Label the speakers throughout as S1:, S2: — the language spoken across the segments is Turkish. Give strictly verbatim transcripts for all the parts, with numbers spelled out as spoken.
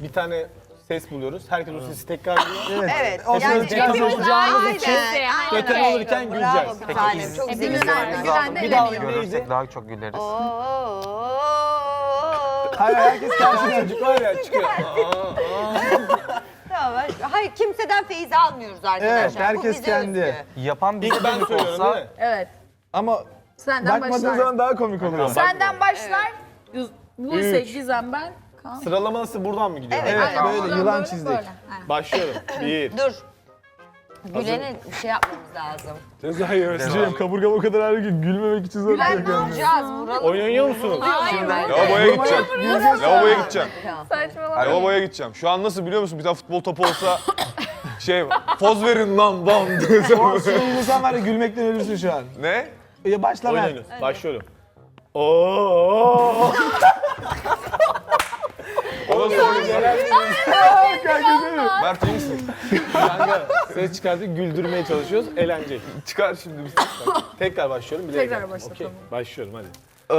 S1: bir tane ses buluyoruz. Herkes o sesi tekrarlıyor.
S2: Evet.
S3: Evet.
S1: Hepimiz
S3: Yani
S1: tekrar
S3: hepimiz
S1: konuşacağımız
S3: aynen,
S1: için
S3: aynen.
S1: kötü olurken
S3: Bravo
S1: güleceğiz.
S3: bir tanem. Çok
S4: Hepimiz
S3: zekisin.
S4: aynı
S1: Bir daha,
S4: güvende
S1: bir daha
S4: eleniyor.
S1: neydi?
S5: Görürsek daha çok güleriz.
S3: Oo.
S2: Hayır herkes kendine.
S1: Çocuk var ya çıkıyor.
S3: Tamam. Hayır kimseden feyiz almıyoruz arkadaşlar.
S2: Evet, herkes
S3: Bu bize
S2: kendi.
S3: özgü.
S5: Yapan bize
S1: İlk ben
S5: dönük
S1: söylüyorum
S5: olsa
S1: değil mi?
S4: Evet.
S2: Ama
S4: Senden
S2: bakmadığın
S4: başlar.
S2: zaman daha komik oluyor.
S4: Senden başlar. Yüz- Buse,
S1: Üç.
S4: Gizem, ben. Kaan.
S1: Sıralama nasıl buradan mı gidiyor?
S3: Evet.
S2: Evet
S4: Aynen,
S2: böyle
S4: buradan
S2: yılan
S4: böyle,
S2: çizdik.
S4: böyle. Aynen.
S1: Başlıyorum. Bir.
S3: Dur. Gülen'e bir şey yapmamız lazım.
S1: Cezayı
S2: Hocam kaburgam o kadar ağrıyor ki gülmemek için zor
S4: Gülen
S2: bir
S4: ne
S2: şey.
S3: Vuracağız, vuralım.
S1: Oyun oynuyor musunuz?
S4: Hayır.
S6: Lavaboya gideceğim. Lavaboya gideceğim.
S4: Saçmalama.
S6: Lavaboya gideceğim. Şu an nasıl biliyor musun? Bir tane futbol topu olsa şey poz verin lan bam diye.
S2: O suyunu sen var ya gülmekten ölürsün şu an.
S6: Ne?
S2: Ya başla
S1: Oyun
S2: ben.
S1: oynuyoruz. Başlıyorum. Oo.
S6: O da söyleyeceğim.
S2: Kanka değil mi?
S6: Mert iyi misin?
S1: Kanka ses çıkartıp güldürmeye çalışıyoruz. Eğlenceli.
S6: Çıkar şimdi bir
S1: Tekrar başlıyorum. Bilerek
S4: Tekrar
S1: yaptım.
S4: başla,
S1: Okey.
S4: tamam.
S1: Başlıyorum hadi.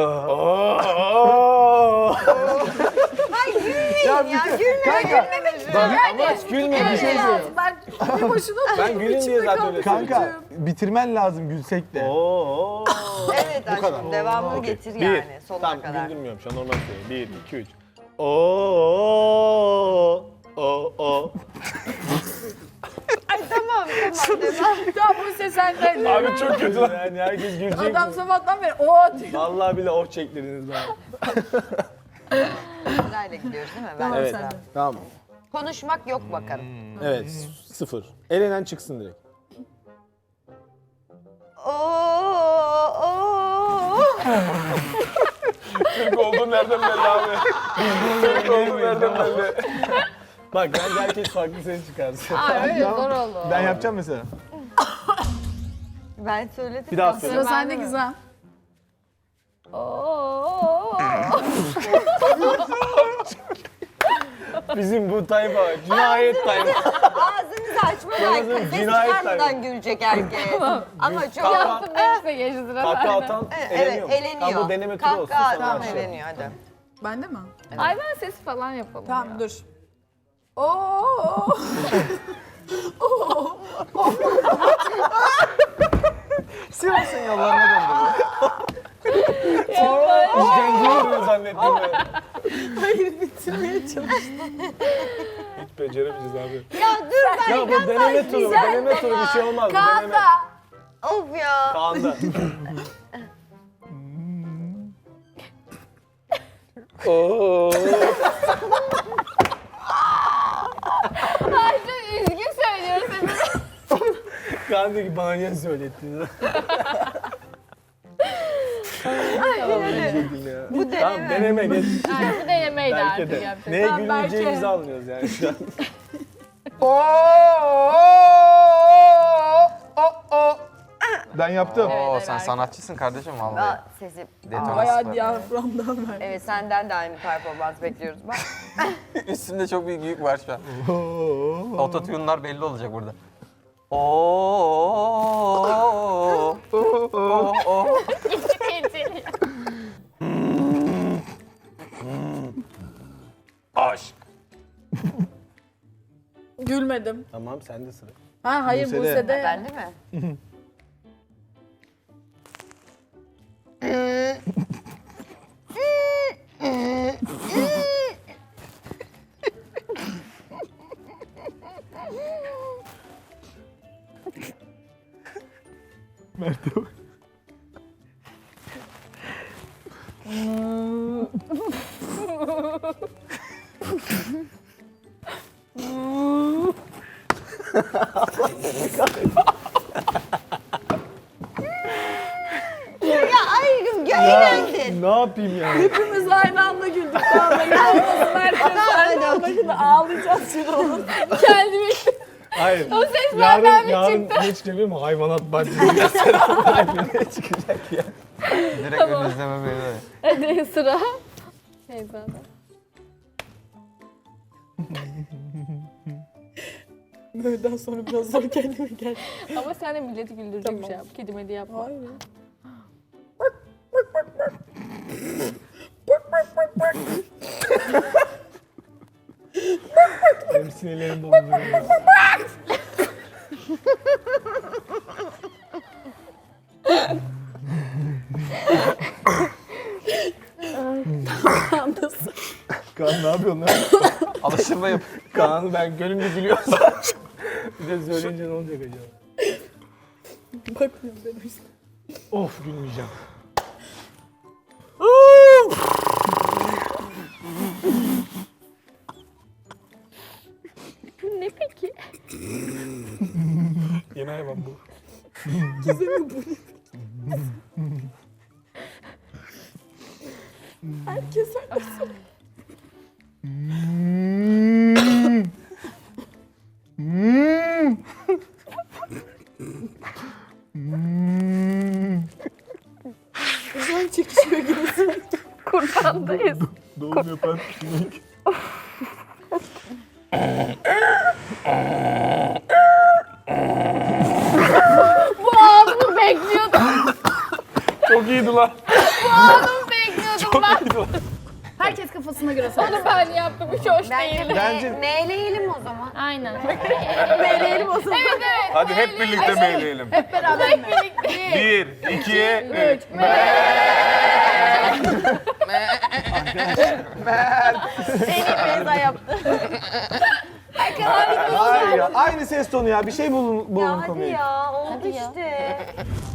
S3: Ay gülmeyin
S2: Ya
S3: ya,
S2: bir de-
S3: gülmeyin.
S2: kanka,
S1: Ama hiç gülme bir şey söylüyorum.
S4: Ben bir boşuna
S1: Ben gülün diye zaten öyle
S2: kanka bitirmen lazım gülsek de.
S1: Oo.
S3: Evet aşkım,
S1: kadar.
S3: devamını
S1: Okey.
S3: getir
S1: Bir.
S3: yani sonuna
S1: Tamam
S3: kadar.
S1: güldürmüyorum şu an normal söylüyorum. Bir, iki, üç. Oo. Oo. Oo.
S3: Ay tamam tamam devam.
S4: Tamam Buse senden.
S1: Abi çok kötü lan. Yani herkes gülecek.
S4: Adam sabahtan beri o diyor.
S1: Vallahi bile oh çektirdiniz bana.
S3: Sırayla gidiyoruz değil mi? Ben
S4: Tamam
S1: Evet.
S4: sen de.
S1: Tamam.
S3: Konuşmak yok bakalım.
S1: Evet. Sıfır. Elenen çıksın direkt.
S3: Oo, oo.
S6: Türk olduğun nereden belli abi? Türk olduğun nereden belli?
S1: Bak bence herkes farklı ses çıkarsın.
S4: Aa öyle zor oldu.
S2: Ben yapacağım mesela.
S3: Ben söyledim.
S1: Bir daha
S3: ya.
S1: söyle.
S4: Sıra sende Gizem. Oo.
S1: Bizim bu tayfa cinayet tayfa.
S3: Ağzınızı açmadan,
S1: Yalnız
S3: ses
S1: cinayet
S3: çıkarmadan
S1: tabii.
S3: gülecek herkes. Ama çok...
S1: Kahkaha-
S4: Yaptım neyse geçti sıra
S1: Kahkaha
S4: sende.
S1: atan
S3: Evet,
S1: eleniyor mu?
S3: eleniyor.
S1: Tamam bu deneme turu olsun.
S3: Kahkaha
S1: sonra
S3: atan
S1: başlayalım.
S3: eleniyor hadi.
S4: Bende mi? Hayvan sesi falan yapalım. Tamam
S7: ya.
S4: dur. Oo.
S2: Sivas'ın yollarına döndüm.
S1: İşkence oluyor zannettim ben.
S4: Hayır bitirmeye çalıştım.
S1: Hiç beceremeyeceğiz abi.
S3: Ya dur ben
S1: Ya bu deneme turu,
S3: güzel
S1: deneme turu bir şey olmaz. Bu deneme.
S4: Kanda.
S3: Of ya.
S1: Kaan'da. Oo.
S4: Ay çok üzgün söylüyorsun.
S1: Kaan diyor ki bana niye söylettiniz?
S3: Bu deneme.
S1: Tamam deneme geç.
S4: Yani bu denemeydi
S1: Belki
S4: artık
S1: de.
S4: yapacak.
S1: Neye
S4: Tamam,
S1: gülmeyeceğimizi
S4: Berke.
S1: anlıyoruz yani şu an.
S2: Ben yaptım.
S5: Oo,
S4: Evet,
S5: sen
S4: evet.
S5: sanatçısın kardeşim vallahi.
S3: Aa, sesi.
S5: Detonasyon.
S4: Bayağı diyaframdan ver.
S3: Evet senden de aynı performans bekliyoruz. Bak.
S5: Üstünde çok büyük yük var şu an. Ototune'lar belli olacak burada. Oo. Oo. Aşk.
S4: Gülmedim.
S1: Tamam sende sıra.
S4: Ha hayır
S2: Buse'de.
S4: Buse'de.
S3: Ben değil mi?
S2: Mert'e bak.
S3: Ya ayrım eğlendin.
S1: Ne yapayım yani?
S4: Hepimiz aynı anda güldük. Tamam ben ağlasın herkes aynı anda şimdi ağlayacağız şimdi onu. Kendimi
S1: Hayır.
S4: o ses
S1: Yarın,
S4: benden mi
S1: yarın
S4: çıktı?
S1: geç geliyor mu? Hayvanat bahçesi gösteren ne çıkacak ya?
S5: Direkt ön izleme böyle.
S4: Hadi sıra. Neyse hadi.
S7: Böyleden sonra biraz zor kendime gel.
S4: Ama sen de milleti güldürecek bir şey yap. Kedi medi yapma.
S7: Hayır.
S1: Benim sinirlerim bozuluyor.
S7: Anlasın.
S2: Kaan ne yapıyorsun lan?
S5: Alıştırma yap.
S1: Kaan'ı ben gönlümde gülüyorsam. Bir de söyleyince ne olacak acaba?
S7: Bakmıyorum ben o yüzden.
S1: Of gülmeyeceğim.
S4: Bu ne peki?
S1: Yeni hayvan bu.
S7: Gizem'in bu ne? Herkes söylesin. Uzay çekişiyor gibisin.
S4: Kurbandayız.
S2: Doğum yapan sinek.
S4: Bu anımı bekliyordum.
S1: Çok iyiydi lan.
S4: Bu anımı bekliyordum ben.
S1: İyiydi lan.
S7: Herkes kafasına göre söylesin.
S4: Onu ben yaptım. Hiç hoş
S3: Bence,
S4: değil.
S3: me-
S2: Bence-
S3: meyleyelim o zaman.
S4: Aynen.
S7: Meyleyelim o zaman.
S4: Evet evet.
S6: Hadi hep birlikte meyleyelim.
S7: Hep beraber mi?
S4: Birlikte.
S6: Bir, iki, üç.
S4: Beni Beyza yaptı.
S2: Hayır ya. Aynı ses tonu ya. Bir şey bulun, bulun
S3: Ya hadi
S2: konuyu.
S3: ya oldu
S4: Hadi ya.
S3: işte.